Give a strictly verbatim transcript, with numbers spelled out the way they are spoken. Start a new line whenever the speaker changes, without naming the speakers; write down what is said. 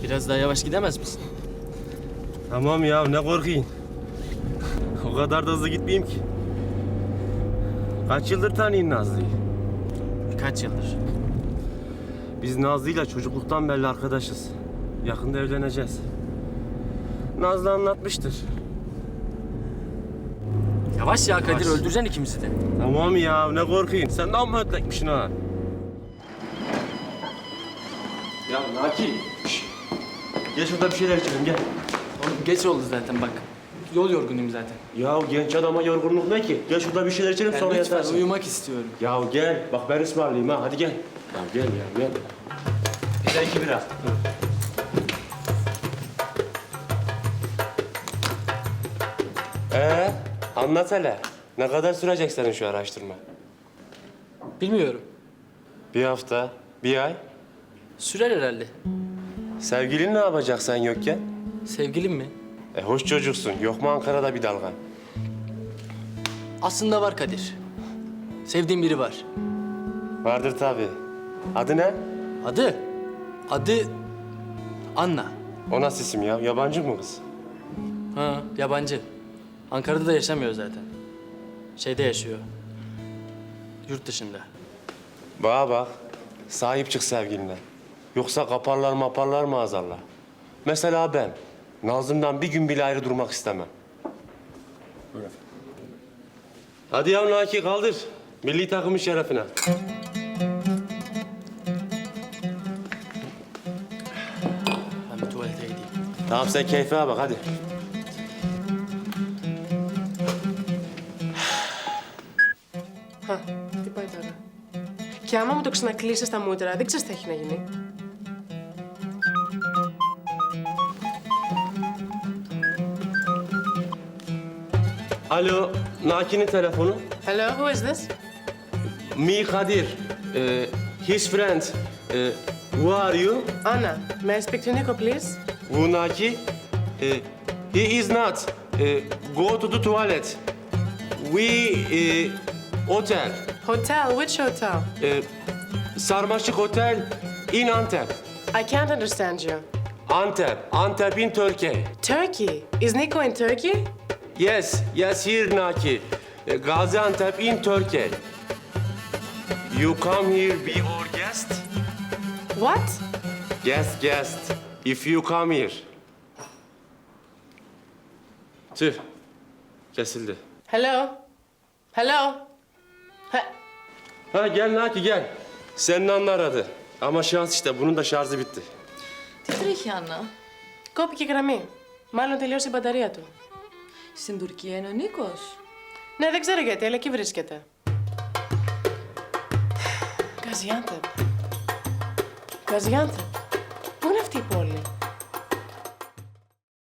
Biraz daha yavaş gidemez misin?
Tamam ya, ne korkuyun. O kadar da hızlı gitmeyeyim ki. Kaç yıldır tanıyın Nazlı'yı?
Kaç yıldır?
Biz Nazlı'yla çocukluktan beri arkadaşız. Yakında evleneceğiz. Nazlı anlatmıştır.
Yavaş ya Kadir,
Yavaş.
öldüreceksin ikimizi de.
Tamam ya, ne korkuyun. Sen de amma ötlekmişsin ha. Ya Naki. Şş. Gel şurada bir şeyler içelim, gel.
Oğlum geç oldu zaten bak. Yol yorgunuyum zaten.
Ya genç adama yorgunluk ne ki? Gel şurada bir şeyler içelim,
Ben
sonra
lütfen
yatarsın.
uyumak istiyorum.
Ya gel, bak ben ısmarlayayım ha, hadi gel. Ya gel ya, gel. Bir de iki bira. Ee, anlat hele. Ne kadar sürecek senin şu araştırma?
Bilmiyorum.
Bir hafta, bir ay.
Sürer herhalde.
Sevgilin ne yapacak sen yokken?
Sevgilim mi?
E hoş çocuksun. Yok mu Ankara'da bir dalgan?
Aslında var Kadir. Sevdiğim biri var.
Vardır tabii. Adı ne?
Adı? Adı Anna.
O nasıl isim ya? Yabancı mı kız?
Ha, yabancı. Ankara'da da yaşamıyor zaten. Şeyde yaşıyor. Yurt dışında.
Bana bak. Sahip çık sevgiline. Yoksa kaparlar maparlar maazallah. Mesela ben. Nazım'dan bir gün bile ayrı durmak istemem. Buyurun. Hadi ya Naki kaldır. Milli takımın şerefine.
Ben bir tuvalete gideyim.
Tamam sen keyfine bak hadi.
Α, τι πάει τώρα. Και άμα μου το ξανακλείσει στα μούτρα, δεν ξέρεις τι έχει να γίνει.
Alo, Naki'nin telefonu.
Hello, who is this?
Me Kadir. Uh, his friend. Uh, who are you?
Anna, may I speak to Nico, please?
Who Naki? Uh, he is not. Uh, go to the toilet. We uh, hotel.
Hotel, which hotel?
Uh, Sarmaşık Hotel in Antep.
I can't understand you.
Antep. Antep in Turkey.
Turkey. Is Nico in Turkey?
Yes, yes, here Naki. Uh, Gaziantep in Turkey. You come here be our guest?
What?
Guest, guest. If you come here. Tüh. Kesildi.
Hello? Hello? Ha,
Ha gel Naki gel. Senin Anna aradı. Ama şans işte bunun da şarjı bitti.
Τι τρέχει, Άννα?
κόπηκε η γραμμή. Μάλλον τελείωσε η μπαταρία του.
Στην Τουρκία είναι ο Νίκος.
Ναι, δεν ξέρω γιατί, αλλά εκεί βρίσκεται. Γκαζιάντεπ. Γκαζιάντεπ. Πού είναι αυτή η πόλη?